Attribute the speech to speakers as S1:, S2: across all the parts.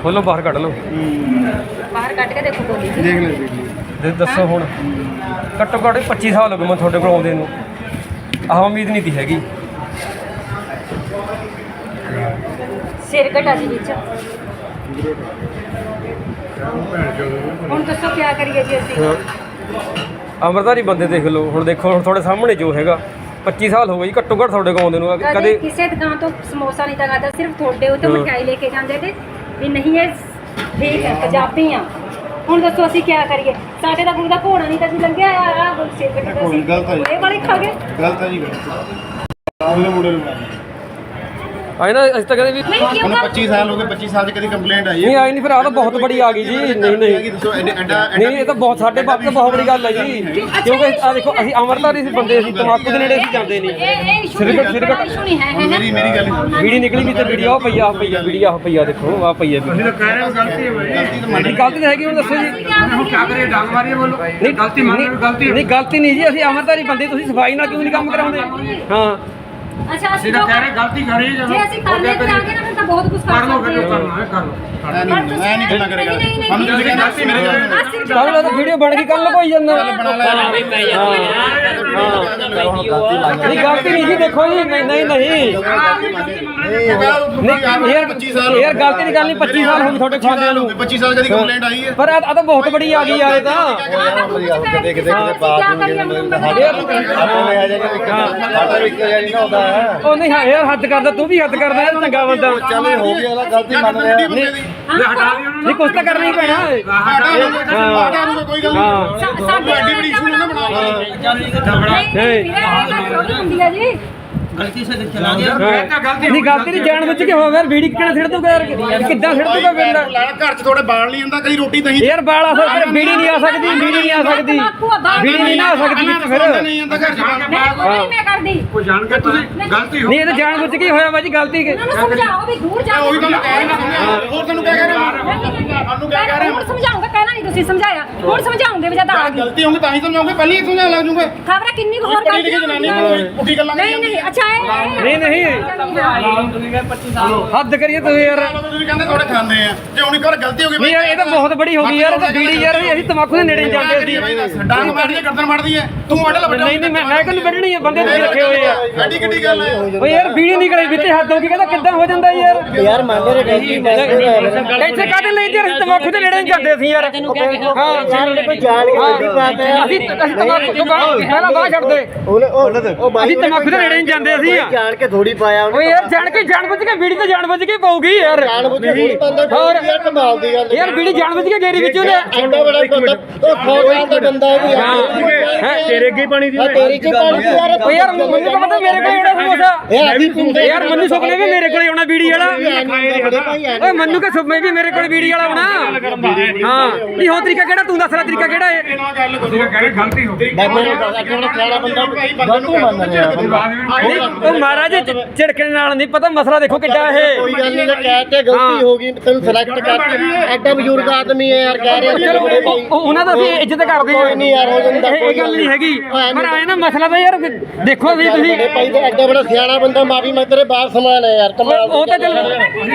S1: ਖੋਲੋ ਬਾਹਰ ਕੱਢ ਲਓ।
S2: ਬਾਹਰ ਕੱਢ ਕੇ ਦੇਖੋ ਗੋਲੀ ਜੀ।
S3: ਦੇਖ ਲੈ
S1: ਦੱਸੋ ਹੁਣ ਘੱਟੋ ਘੱਟ 25 ਸਾਲ ਹੋ ਗਏ ਮੈਂ ਤੁਹਾਡੇ ਕੋਲ ਆਉਂਦੇ ਨੂੰ। ਆਹ ਉਮੀਦ ਨਹੀਂ ਤੀ ਹੈਗੀ।
S2: ਸਿਰ ਘਟਾ ਜੀ ਵਿੱਚ। ਹੁਣ ਦੱਸੋ ਕੀ ਕਰੀਏ ਜੀ ਅਸੀਂ।
S1: ਅੰਮ੍ਰਿਤਧਾਰੀ ਬੰਦੇ ਦੇਖ ਲਓ ਹੁਣ। ਦੇਖੋ ਹੁਣ ਤੁਹਾਡੇ ਸਾਹਮਣੇ ਜੋ ਹੈਗਾ 25 ਸਾਲ ਹੋ ਗਏ ਜੀ ਘੱਟੋ ਘੱਟ ਤੁਹਾਡੇ ਕੋਲ ਆਉਂਦੇ ਨੂੰ।
S2: ਕਦੇ ਕਿਸੇ ਦੁਕਾਨ ਤੋਂ ਸਮੋਸਾ ਨਹੀਂ ਤਾਂ ਖਾਦਾ, ਸਿਰਫ ਤੁਹਾਡੇ ਉੱਤੇ ਮਠਿਆਈ ਲੈ ਕੇ ਜਾਂਦੇ ਤੇ ਵੀ ਨਹੀਂ ਇਹ ਠੀਕ ਹੈ ਪੰਜਾਬੀ ਆ। ਹੁਣ ਦੱਸੋ ਅਸੀਂ ਕੀ ਕਰੀਏ। ਸਾਡੇ ਤਾਂ ਗੁਰੂ ਦਾ ਘੋੜਾ ਨਹੀਂ ਤਾਂ ਜੀ ਲੰਘਿਆ ਆ ਸਿਰ ਘਟਾ ਸੀ। ਇਹ ਵਾਲੇ ਖਾ ਗਏ।
S3: ਗਲਤ ਹੈ ਜੀ ਗਲਤ। ਉਹਨੇ ਮੁੰਡੇ ਨੂੰ
S1: ਆਏ ਨਾ ਅਸੀਂ ਤਾਂ ਕਹਿੰਦੇ ਵੀ
S3: ਉਹਨੂੰ 25 ਸਾਲ ਹੋ ਗਏ। 25 ਸਾਲ 'ਚ ਕਦੀ ਕੰਪਲੇਂਟ ਆਈ
S1: ਨਹੀਂ ਆਈ ਨਹੀਂ। ਫਿਰ ਆਹ ਤਾਂ ਬਹੁਤ ਬੜੀ ਆ ਗਈ ਜੀ। ਨਹੀਂ ਨਹੀਂ
S3: ਦੱਸੋ ਐਡਾ
S1: ਨਹੀਂ ਇਹ ਤਾਂ ਬਹੁਤ ਸਾਡੇ ਬਾਪ ਤੋਂ ਬਹੁਤ ਬੜੀ ਗੱਲ ਹੈ ਜੀ। ਕਿਉਂਕਿ ਆ ਦੇਖੋ ਅਸੀਂ ਅੰਮ੍ਰਿਤਧਾਰੀ ਸੀ ਬੰਦੇ, ਅਸੀਂ ਤਮਾਕੂ ਦੇ ਨੇੜੇ ਅਸੀਂ ਜਾਂਦੇ ਨਹੀਂ। ਸਿਰਕਟ
S2: ਸੁਣੀ ਹੈ
S3: ਮੇਰੀ ਗੱਲ
S1: ਵੀੜੀ ਨਿਕਲੀ ਵੀ ਤੇ ਵੀਡੀਓ ਆਹ ਪਈਆ ਵੀਡੀਓ ਆਹ ਪਈਆ ਦੇਖੋ ਆਹ ਪਈਆ ਵੀ।
S4: ਅਸੀਂ ਤਾਂ ਕਹਿ ਰਹੇ ਹਾਂ ਗਲਤੀ ਹੈ ਭਾਈ।
S1: ਗਲਤੀ ਤਾਂ ਹੈਗੀ। ਹੁਣ ਦੱਸੋ ਜੀ।
S4: ਹੁਣ ਕੀ ਕਰੀਏ? ਡਾਂਗ ਮਾਰੀਏ ਬੋਲੋ।
S1: ਨਹੀਂ
S4: ਗਲਤੀ ਮੰਨ ਲਓ ਗਲਤੀ ਹੈ।
S1: ਨਹੀਂ ਗਲਤੀ ਨਹੀਂ ਜੀ। ਅਸੀਂ ਅੰਮ੍ਰਿਤਧਾਰੀ ਬੰਦੇ, ਤੁਸੀਂ ਸਫਾਈ ਨਾਲ ਕਿਉਂ ਨਹੀਂ ਕੰਮ ਕਰਾਉਂਦੇ? ਹਾਂ
S2: ਅੱਛਾ
S4: ਅਸੀਂ ਤਾਂ ਕਹਿ ਰਹੇ ਗਲਤੀ ਕਰੀ ਜਦੋਂ
S2: ਜੇ ਅਸੀਂ ਕਰ ਲੈ ਤੇ ਆ ਗਏ ਨਾ ਫਿਰ ਤਾਂ ਬਹੁਤ ਕੁਝ
S4: ਕਰ ਲਓ
S2: ਸਕਦੇ
S4: ਫਿਰ
S2: ਹਾਂ।
S4: ਕਰਨਾ ਹੈ ਕਰ ਲਓ।
S3: ਮੈਂ ਨਹੀਂ ਗੱਲਾਂ ਕਰੇਗਾ ਸਾਨੂੰ ਤੁਸੀਂ ਕਹਿੰਦੇ ਗਲਤੀ ਮੇਰੇ ਕੋਲ
S1: ਕੱਲ ਤਾਂ ਵੀਡੀਓ ਬਣ ਗਈ ਕੱਲ ਕੋਈ ਜਾਂਦਾ।
S3: ਬਣਾ ਲੈ
S1: ਨਹੀਂ ਗਲਤੀ ਨਹੀਂ ਜੀ। ਦੇਖੋ ਜੀ ਨਹੀਂ ਨਹੀਂ ਨਹੀਂ ਯਾਰ ਗਲਤੀ ਦੀ ਗੱਲ ਨਹੀਂ। 25 ਸਾਲ ਹੋ ਗਏ ਤੁਹਾਡੇ ਖਾਂਦਿਆਂ ਨੂੰ।
S3: 25 ਸਾਲ ਕਦੀ ਕੰਪਲੇਂਟ ਆਈ ਹੈ।
S1: ਪਰ ਆ ਤਾਂ ਬਹੁਤ ਬੜੀ ਆ ਗਈ ਯਾਰ ਇਹ ਤਾਂ। ਉਹ ਨਹੀਂ ਹਾਂ ਯਾਰ ਹੱਦ ਕਰਦਾ, ਤੂੰ ਵੀ ਹੱਦ ਕਰਦਾ ਯਾਰ। ਚੰਗਾ ਬੰਦਾ
S3: ਚੱਲ ਹੋ ਗਿਆ ਨਾ ਗਲਤੀ ਮੰਨ ਲਿਆ।
S4: ਹਟਾ ਦਿਓ ਉਹਨੂੰ।
S1: ਨਹੀਂ ਕੁਛ ਤਾਂ ਕਰਨਾ ਹੀ ਪੈਣਾ।
S3: ਹਟਾ ਦੂੰਗਾ ਕੋਈ ਗੱਲ ਨਹੀਂ।
S2: ਸਾਡੀ
S3: ਐਡੀ ਬੜੀ ਇਸ਼ੂ ਨਾ ਬਣਾ
S2: ਹੁੰਦੀ ਆ ਜੀ।
S4: ਗਲਤੀ ਸੇ ਚਲਾ ਗਿਆ। ਤਾਂ ਗਲਤੀ
S1: ਨਹੀਂ ਗਲਤੀ ਨਹੀਂ ਜਾਣ ਬੁੱਝ ਕੇ ਹੋ ਗਿਆ। ਵੀੜੀ ਕਿਹੜਾ ਛੱਡ ਦੂਗਾ ਯਾਰ? ਕਿੱਦਾਂ ਛੱਡ ਦੂਗਾ ਬੰਦਾ?
S3: ਘਰ 'ਚ ਥੋੜੇ ਬਾਲ ਨਹੀਂ ਹੁੰਦਾ ਕਦੀ ਰੋਟੀ ਨਹੀਂ
S1: ਯਾਰ ਬਾਲ ਆ ਸਕਦਾ, ਵੀੜੀ ਨਹੀਂ ਆ ਸਕਦੀ। ਵੀੜੀ ਨਹੀਂ ਆ ਸਕਦੀ। ਵੀੜੀ ਨਹੀਂ ਨਾ ਆ ਸਕਦੀ ਵਿੱਚ ਫਿਰ।
S3: ਨਹੀਂ ਆਉਂਦਾ ਘਰ 'ਚ
S2: ਮੈਂ ਕਰਦੀ।
S4: ਕੋਈ ਜਾਣ ਕੇ ਤੁਸੀਂ ਗਲਤੀ ਹੋ
S1: ਨਹੀਂ ਇਹ ਤਾਂ ਜਾਣ ਬੁੱਝ ਕੇ ਹੀ ਹੋਇਆ ਬਾਜੀ ਗਲਤੀ।
S2: ਇਹਨਾਂ ਨੂੰ ਸਮਝਾਓ ਵੀ ਦੂਰ ਜਾਓ।
S3: ਉਹੀ ਤੁਹਾਨੂੰ ਕਹਿ ਰਿਹਾ। ਹੋਰ ਤੈਨੂੰ ਕਹਿ ਰਿਹਾ ਸਾਨੂੰ ਕਹਿ ਰਿਹਾ।
S2: ਹੁਣ ਸਮਝਾਉਂਗਾ, ਕਹਿਣਾ ਨਹੀਂ ਤੁਸੀਂ ਸਮਝਾਇਆ। ਹੁਣ ਸਮਝਾਉਂਗੇ ਵੀ ਜਦ ਆ ਗਈ
S3: ਗਲਤੀ ਹੋਊਗੀ ਤਾਂ ਹੀ ਸਮਝਾਉਂਗੇ। ਪਹਿਲਾਂ ਹੀ ਸਮਝਾ ਲੱਗ ਜੂਗੇ।
S2: ਖਬਰ ਕਿੰਨੀ ਕੁ ਹੋਰ
S3: ਪੜੀ ਲਿਖੀ ਜਨਾਨੀ ਕੋਈ ਪੁੱਠੀ ਗੱਲਾਂ
S2: ਨਹੀਂ ਨਹੀਂ ਅੱਛਾ
S1: ਨਹੀਂ ਨਹੀਂ ਹੱਦ ਕਰੀਏ ਤੁਸੀਂ ਯਾਰ।
S3: ਤੁਸੀਂ ਕਹਿੰਦੇ ਥੋੜੇ ਖਾਂਦੇ ਆ ਜੇ ਹੁਣ ਇੱਕ ਵਾਰ ਗਲਤੀ ਹੋ ਗਈ
S1: ਨਹੀਂ ਯਾਰ ਇਹ ਤਾਂ ਬਹੁਤ ਬੜੀ ਹੋ ਗਈ ਯਾਰ। ਇਹ ਤਾਂ ਬੀੜੀ ਯਾਰ ਅਸੀਂ ਤਮਾਕੂ ਦੇ ਨੇੜੇ ਨਹੀਂ ਜਾਂਦੇ ਸੀ।
S3: ਡਾਂਗ ਮਾਰਦੀ ਹੈ ਗਰਦਨ ਮਾਰਦੀ ਹੈ ਤੂੰ ਆਡਲ ਵੱਡਾ
S1: ਨਹੀਂ ਨਹੀਂ ਮੈਂ ਕਿਹਨੂੰ ਵੱਢਣੀ ਹੈ? ਬੰਦੇ ਤੁਸੀਂ ਰੱਖੇ ਹੋਏ ਆ।
S3: ਐਡੀ ਕਿੱਡੀ ਗੱਲ ਹੈ।
S1: ਓਏ ਯਾਰ ਬੀੜੀ ਨਹੀਂ ਕਰੀ ਵਿੱਚੇ ਹੱਦ ਹੋ ਗਈ। ਕਹਿੰਦਾ ਕਿੱਦਾਂ ਹੋ ਜਾਂਦਾ ਯਾਰ?
S5: ਯਾਰ ਮੰਨ ਰਹੇ ਗਲਤੀ
S1: ਇੱਥੇ ਕਾਹਦੇ ਲਈ ਤੇ ਅਸੀਂ ਤਮਾਕੂ ਦੇ ਨੇੜੇ ਨਹੀਂ ਜਾਂਦੇ ਸੀ ਯਾਰ।
S5: ਯਾਰ ਕੋਈ ਜਾਣ ਕੇ ਗਲਤੀ ਬਾਤ ਹੈ।
S1: ਅਸੀਂ ਤਮਾਕੂ ਤੋਂ ਪਹਿਲਾਂ ਬਾਹਰ ਛੱਡਦੇ। ਅਸੀਂ ਤਮਾਕੂ ਦੇ ਨੇੜੇ ਨਹੀਂ ਜਾਂਦੇ ਅਸੀਂ।
S5: ਜਾਣ ਕੇ ਥੋੜੀ ਪਾਇਆ
S1: ਓਏ ਯਾਰ ਜਾਣ ਕੇ ਜਾਣ ਬੁੱਝ ਕੇ ਬੀੜੀ ਤਾਂ ਜਾਣ ਬੁੱਝ ਕੇ ਪਾਉਗੀ ਯਾਰ।
S5: ਜਾਣ ਬੁੱਝ ਕੇ ਥੋੜੀ ਪਾਉਂਦਾ।
S1: ਹੋਰ
S5: ਯਾਰ ਕਮਾਲ ਦੀ ਗੱਲ
S1: ਯਾਰ ਬੀੜੀ ਜਾਣ ਬੁੱਝ ਕੇ ਗੇਰੀ ਵਿੱਚ ਉਹਨੇ।
S5: ਐਡਾ ਬੜਾ ਬੰਦਾ ਉਹ ਫੌਜਾਂ ਦਾ ਬੰਦਾ ਹੈ
S1: ਤੇਰੇ ਅੱਗੇ ਪਾਣੀ ਦੀ
S5: ਤੇਰੀ ਕੀ ਪਾਣੀ ਦੀ ਯਾਰ।
S1: ਓਏ ਯਾਰ ਮੈਨੂੰ ਤਾਂ ਪਤਾ ਮੇਰੇ ਕੋਲ ਆਉਣਾ ਸਮੋਸਾ।
S5: ਇਹ ਅਸੀਂ ਪਿੰਡੇ
S1: ਯਾਰ ਮੈਨੂੰ ਸੁਪਨੇ ਵੀ ਮੇਰੇ ਕੋਲ ਆਉਣਾ ਬੀੜੀ ਵਾਲਾ। ਓਏ ਮੈਨੂੰ ਕਿ ਸੁਪਨੇ ਵੀ ਮੇਰੇ ਕੋਲ ਬੀੜੀ ਵਾਲਾ ਆਉਣਾ। ਹਾਂ ਨਹੀਂ ਹੋ ਤਰੀਕਾ ਕਿਹੜਾ? ਤੂੰ ਦੱਸ ਲੈ ਤਰੀਕਾ ਕਿਹੜਾ ਹੈ?
S4: ਤੁਸੀਂ ਕਹਿ ਰਹੇ ਗਲਤੀ ਹੋ ਗਈ।
S5: ਬਾਬੇ ਨੇ ਕਿਹੜਾ ਖਿਆਲਾ ਬੰਦਾ ਗਲਤੀ ਮੰਨ ਰਿਹਾ
S1: ਨਹੀਂ ਉਹ ਮਹਾਰਾਜ ਝਿੜਕਣ ਨਾਲ ਨਹੀਂ ਪਤਾ ਮਸਲਾ ਦੇਖੋ ਕਿੱਡਾ ਇਹ।
S5: ਕੋਈ ਗੱਲ ਨਹੀਂ ਕਹਿ ਤੇ ਗਲਤੀ ਹੋ ਗਈ ਤੈਨੂੰ ਸਿਲੈਕਟ ਕਰ। ਐਡਾ ਬਜ਼ੁਰਗ ਆਦਮੀ ਹੈ ਯਾਰ ਕਹਿ ਰਿਹਾ
S1: ਚਲੋ ਉਹਨਾਂ ਦਾ ਅਸੀਂ ਇੱਜ਼ਤ ਕਰਦੇ
S5: ਕੋਈ ਨਹੀਂ ਯਾਰ ਹੋ ਜਾਂਦਾ।
S1: ਇਹ ਗੱਲ ਨਹੀਂ ਹੈਗੀ। ਪਰ ਆਏ ਨਾ ਮਸਲਾ ਤਾਂ ਯਾਰ ਦੇਖੋ ਵੀ ਤੁਸੀਂ
S5: ਭਾਈ ਤੇ ਐਡਾ ਬੜਾ ਸਿਆਣਾ ਬੰਦਾ ਮਾਫੀ ਮੈਂ ਤੇਰੇ ਬਾਹਰ ਸਮਾਨ ਹੈ ਯਾਰ ਕਮਾਲ।
S1: ਉਹ ਤਾਂ ਚਲੋ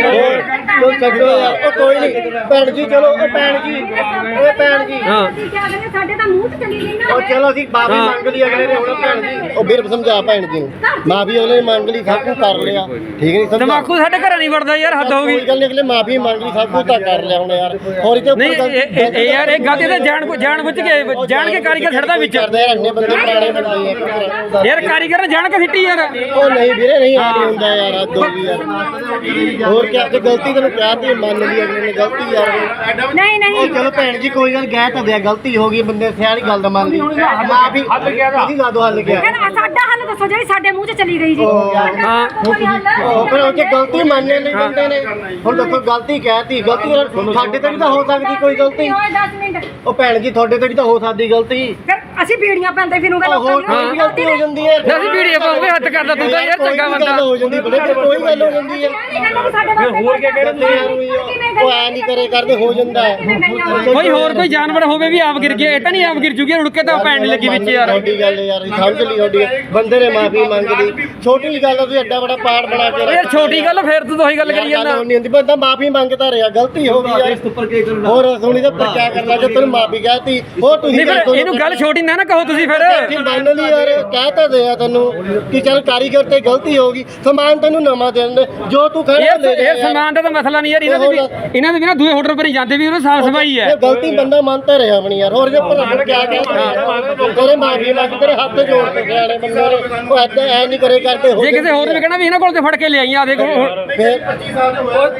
S5: ਕੋਈ ਛੱਡੋ ਯਾਰ ਉਹ ਕੋਈ ਨਹੀਂ ਭੈਣ ਜੀ ਚਲੋ ਉਹ ਭੈਣ ਜੀ ਉਹ ਭੈਣ ਜੀ
S1: ਹਾਂ
S2: ਸਾਡੇ ਤਾਂ ਮੂੰਹ ਚ ਚਲੀ ਗਈ ਨਾ।
S5: ਉਹ ਚਲੋ ਅਸੀਂ ਮਾਫੀ ਮੰਗ ਲਈ ਅਗਲੇ ਨੇ ਹੁਣ ਭੈਣ ਜੀ ਉਹ ਵੀਰ ਸਮਝਾ ਭੈਣ ਜੀ ਨੂੰ ਮਾਫੀ ਉਹਨੇ ਮੰਗ ਲਈ ਸਭ ਕੁਝ ਕਰ ਲਿਆ ਠੀਕ ਨਹੀਂ ਸਮਝਾ।
S1: ਤਮਾਕੂ ਸਾਡੇ ਘਰ ਨਹੀਂ ਵੜਦਾ ਯਾਰ ਹੱਦ ਹੋ ਗਈ।
S5: ਕੋਈ ਗੱਲ ਨਹੀਂ ਅਗਲੇ ਮਾਫੀ ਮੰਗ ਲਈ ਸਭ ਕੁਝ ਤਾਂ ਕਰ ਲਿਆ ਹੁਣ ਯਾਰ ਹੋਰ ਇਹ
S1: ਨਹੀਂ ਇਹ ਯਾਰ ਇਹ ਗਲਤੀ ਤੇ ਜਾਣ ਬੁੱਝ ਕੇ ਜਾਣ ਕੇ ਕਾਰੀਗਰ ਛੱਡਦਾ ਵਿੱਚ।
S5: ਕਰਦੇ ਯਾਰ ਅੰਨੇ ਬੰਦੇ ਪੁਰਾਣੇ ਬਣਾਏ ਆ।
S1: ਯਾਰ ਕਾਰੀਗਰ ਨੇ ਜਾਣ ਕੇ ਸਿੱਟੀ ਯਾਰ।
S5: ਉਹ ਨਹੀਂ ਵੀਰੇ ਨਹੀਂ ਆ ਨਹੀਂ ਹੁੰਦਾ ਯਾਰ ਹੱਦ ਹੋ ਗਈ ਯਾਰ। ਹੋਰ ਕਿਆ ਜੇ ਗਲਤੀ ਤੈਨੂੰ ਕਹਿ ਤੀ ਮੰਨ ਲਈ ਅਗਲੇ ਨੇ ਗਲਤੀ ਯਾਰ।
S2: ਨਹੀਂ ਨਹੀਂ
S5: ਉਹ ਚਲੋ ਭੈਣ ਜੀ ਕੋਈ ਗੱਲ ਕਹਿ ਤਾਂ ਦਿਆ ਗਲਤੀ ਹੋ ਗਈ ਬੰਦੇ ਸਿਆਣੀ ਗੱਲ ਦਾ ਮੰਨ ਲਈ ਮਾਫੀ ਉਹਦੀ ਲਾ ਦੋ ਹੱਲ ਗਿਆ।
S2: ਸਾਡਾ ਹੱਲ ਦੱਸੋ ਜਿਹੜੀ ਸਾਡੇ ਮੂੰਹ ਚ ਚਲੀ ਗਈ ਜੀ।
S1: ਹਾਂ
S5: ਉਹ ਫਿਰ ਉਹ ਜੇ ਗਲਤੀ ਮੰਨੇ ਨਹੀਂ ਬੰਦੇ ਨੇ ਹੁਣ ਦੱਸੋ ਗਲਤੀ ਕਹਿਤੀ ਗਲਤੀ ਸਾਡੇ ਤੇ ਵੀ ਤਾਂ ਹੋ ਸਕਦੀ ਕੋਈ ਗਲਤੀ।
S2: 10 ਮਿੰਟ
S5: ਉਹ ਭੈਣ ਜੀ ਤੁਹਾਡੇ ਤੇ ਵੀ ਤਾਂ ਹੋ ਸਕਦੀ ਗਲਤੀ।
S2: ਫਿਰ ਅਸੀਂ ਬੀੜੀਆਂ ਪਾਉਂਦੇ ਫਿਰੂਗੇ
S5: ਹੋਰ ਕੋਈ ਵੀ ਗਲਤੀ ਹੋ ਜਾਂਦੀ ਹੈ
S1: ਨਾ ਅਸੀਂ ਵੀਡੀਓ ਪਾਉਂਗੇ ਹੱਥ ਕਰਦਾ ਤੂੰ ਤਾਂ ਯਾਰ ਚੰਗਾ
S5: ਕੋਈ
S1: ਬੰਦਾ
S5: ਗੱਲ ਹੋ ਜਾਂਦੀ ਬੜੇ ਕੋਈ ਗੱਲ ਹੋ ਜਾਂਦੀ ਹੈ
S2: ਹੋਰ ਕੀ
S5: ਉਹ ਐ ਨਹੀਂ ਕਰੇ ਕਰਦੇ ਹੋ ਜਾਂਦਾ ਹੈ
S1: ਕੋਈ ਹੋਰ ਕੋਈ ਜਾਨਵਰ ਹੋਵੇ ਵੀ ਆਪ ਗਿਰ ਗਿਆ ਇਹ ਤਾਂ ਨਹੀਂ ਆਪ ਗਿਰ ਜੂਗੀ ਰੁੜ ਕੇ ਤਾਂ ਪੈਣ ਲੱਗੀ ਵਿੱਚ ਯਾਰ
S5: ਤੁਹਾਡੀ ਗੱਲ ਯਾਰ ਸਮਝ ਲਈ ਤੁਹਾਡੀ ਬੰਦੇ ਨੇ ਮਾਫੀ ਮੰਗ ਲਈ ਛੋਟੀ ਜਿਹੀ ਗੱਲ ਆ, ਤੁਸੀਂ ਐਡਾ ਬੜਾ ਪਾੜ ਬਣਾ ਕੇ
S1: ਯਾਰ ਛੋਟੀ ਗੱਲ ਫੇਰ ਤੂੰ ਉਹੀ ਗੱਲ ਕਰੀ ਜਾਂਦਾ
S5: ਨਹੀਂ ਹੁੰਦੀ ਬੰਦਾ ਮਾਫੀ ਮੰਗਦਾ ਰਿਹਾ ਗਲਤੀ ਹੋ ਗਈ ਯਾਰ ਹੋਰ ਸੁਣੀ ਤਾਂ ਪਰ ਕਿਆ ਕਰਨਾ ਜੇ ਤੈਨੂੰ ਮਾਫੀ ਕਹਤੀ ਹੋਰ ਤੁਸੀਂ
S1: ਨਹੀਂ ਫਿਰ ਇਹਨੂੰ ਗੱਲ ਛੋਟੀ ਨਾ ਕਹੋ ਤੁਸੀਂ ਫਿਰ
S5: ਮੰਨ ਲਈ ਯਾਰ ਕਹਿ ਤਾਂ ਦਿਆ ਤੈਨੂੰ ਕਿ ਚੱਲ ਕਾਰੀਗਰ ਤੇ ਗਲਤੀ ਹੋ ਗਈ ਸਮਾਨ ਤੈਨੂੰ ਨਵਾਂ ਦੇ ਦਿੰਦੇ ਜੋ ਤੂੰ ਖੜਾ ਲੈ ਜਾ
S1: ਇਹ ਸਮਾਨ ਦਾ ਤਾਂ ਮਸਲਾ ਨਹੀਂ ਯਾਰ ਇਹਨਾਂ ਦੇ ਵੀ ਨਾ ਦੂਏ ਹੋਟਲ ਪਰ ਹੀ ਜਾਂਦੇ ਵੀ ਉਹਨੂੰ ਸਾਫ ਸਫਾਈ ਹੈ
S5: ਇਹ ਗਲਤੀ ਬੰਦਾ ਮੰਨਦਾ ਰਿਹਾ ਆਪਣੀ ਯਾਰ ਹੋਰ ਜੇ ਭਲਾ ਕਿਆ ਕਹਿ ਤੇਰੇ ਮਾਫੀ ਮੰਗ ਤੇਰੇ ਹੱਥ ਜੋੜ ਕੇ ਸਿਆਣੇ ਬੰਦੇ ਨੇ ਉਹ ਐਦਾਂ ਐ ਨਹੀਂ ਕਰੇ ਕਰਦੇ ਹੋ
S1: ਜੇ ਕਿਸੇ ਹੋਰ ਨੇ ਕਹਿਣਾ ਵੀ ਇਹਨਾਂ ਕੋਲ ਤੇ ਫੜ ਕੇ ਲਿਆਈ ਆ ਦੇਖੋ
S5: ਫਿਰ 25 ਸਾਲ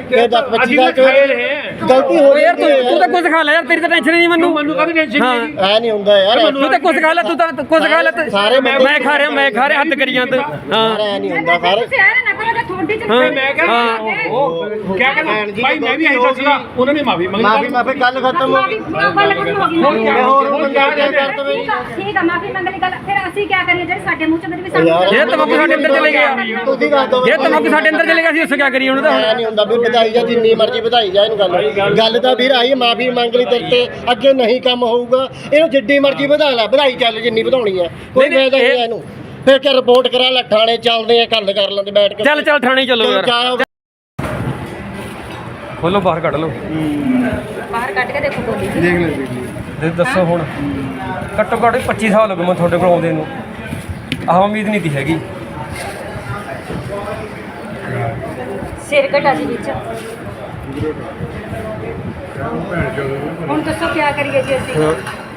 S5: ਗਲਤੀ ਹੋ
S1: ਯਾਰ ਤੂੰ ਤਾਂ ਕੁਝ ਖਾ ਲੈ ਯਾਰ ਤੇਰੀ ਤਾਂ ਟੈਨਸ਼ਨ ਨਹੀਂ ਮੈਨੂੰ
S4: ਕਾਹਦੀ ਟੈਨਸ਼ਨ
S1: ਹਾਂ
S5: ਐ ਨਹੀਂ ਹੁੰਦਾ ਯਾਰ
S1: ਤੂੰ ਤਾਂ ਕੁਝ ਖਾ ਲੈ ਤੂੰ ਤਾਂ ਕੁਝ ਖਾ ਲੈ
S5: ਸਾਰੇ
S1: ਮੈਂ ਖਾ ਰਿਹਾ ਹੱਦ ਕਰੀ ਜਾਂਦਾ ਹਾਂ
S5: ਐ ਨਹੀਂ ਹੁੰਦਾ ਸਾਰੇ
S4: ਮੈਂ ਕਹਿੰਦਾ ਕਿਆ ਕਹਿੰਦਾ ਭਾਈ ਮੈਂ ਵੀ ਇਹੀ ਦੱਸਦਾ ਉਹਨਾਂ ਨੇ ਮਾਫੀ ਮੰਗੀ
S5: ਮਾਫੀ ਗੱਲ ਖਤਮ ਹੋ ਗਈ ਹੋਰ ਬੰਦਾ ਕਿਆ ਕਰ ਦਵੇ
S2: ਠੀਕ ਆ ਮਾਫੀ ਮੰਗ ਲਈ ਗੱਲ ਫਿਰ ਅਸੀਂ ਕੀ ਕਰੀਏ ਜਿਹੜੇ ਸਾਡੇ ਮੂੰਹ ਚ ਵੀ ਸਾਨੂੰ
S1: ਇਹ ਤਮਕ ਸਾਡੇ ਅੰਦਰ ਚਲੇ ਗਿਆ
S5: ਤੁਸੀਂ ਦੱਸ ਦੋ
S1: ਇਹ ਤਮਕ ਸਾਡੇ ਅੰਦਰ ਚਲੇ ਗਿਆ ਸੀ ਉਸ ਕੀ ਕਰੀਏ ਹੁਣ ਤਾਂ
S5: ਐ ਨਹੀਂ ਹੁੰਦਾ ਵੀ ਵਧਾਈ ਜਾ ਜਿੰਨੀ ਮਰਜ਼ੀ ਵਧਾਈ ਜਾ ਇਹਨੂੰ ਗੱਲ ਤਾਂ ਵੀਰ ਆਈ ਮਾਫੀ ਮੰਗ ਲਈ ਤੇਰੇ ਤੇ ਅੱਗੇ ਨਹੀਂ ਕੰਮ ਹੋਊਗਾ ਇਹਨੂੰ ਜਿੱਡੀ ਮਰਜ਼ੀ ਵਧਾ ਲੈ ਵਧਾਈ ਚੱਲ ਜਿੰਨੀ ਵਧਾਉਣੀ ਹੈ ਕੋਈ ਫਾਇਦਾ ਨਹੀਂ ਇਹਨੂੰ ਫਿਰ ਕਿ ਰਿਪੋਰਟ ਕਰਾ ਲੈ ਥਾਣੇ ਚੱਲਦੇ ਆ ਗੱਲ ਕਰ ਲੈਂਦੇ ਬੈਠ ਕੇ
S1: ਚੱਲ ਥਾਣੇ ਚੱਲੋ ਯਾਰ ਖੋਲੋ ਬਾਹਰ ਕੱਢ ਲਓ
S2: ਬਾਹਰ ਕੱਢ ਕੇ ਦੇਖੋ ਬੋਲੀ
S1: ਦੱਸੋ ਹੁਣ ਘੱਟੋ ਘੱਟ 25 ਸਾਲ ਹੋ ਗਏ ਮੈਂ ਤੁਹਾਡੇ ਕੋਲ ਆਉਂਦੇ ਨੂੰ ਆਹ ਉਮੀਦ ਨਹੀਂ ਤੀ ਹੈਗੀ
S2: ਸਿਰ ਘਟਾ ਜੀ ਵਿੱਚ ਹੁਣ ਦੱਸੋ ਕੀ ਕਰੀਏ ਜੀ ਅਸੀਂ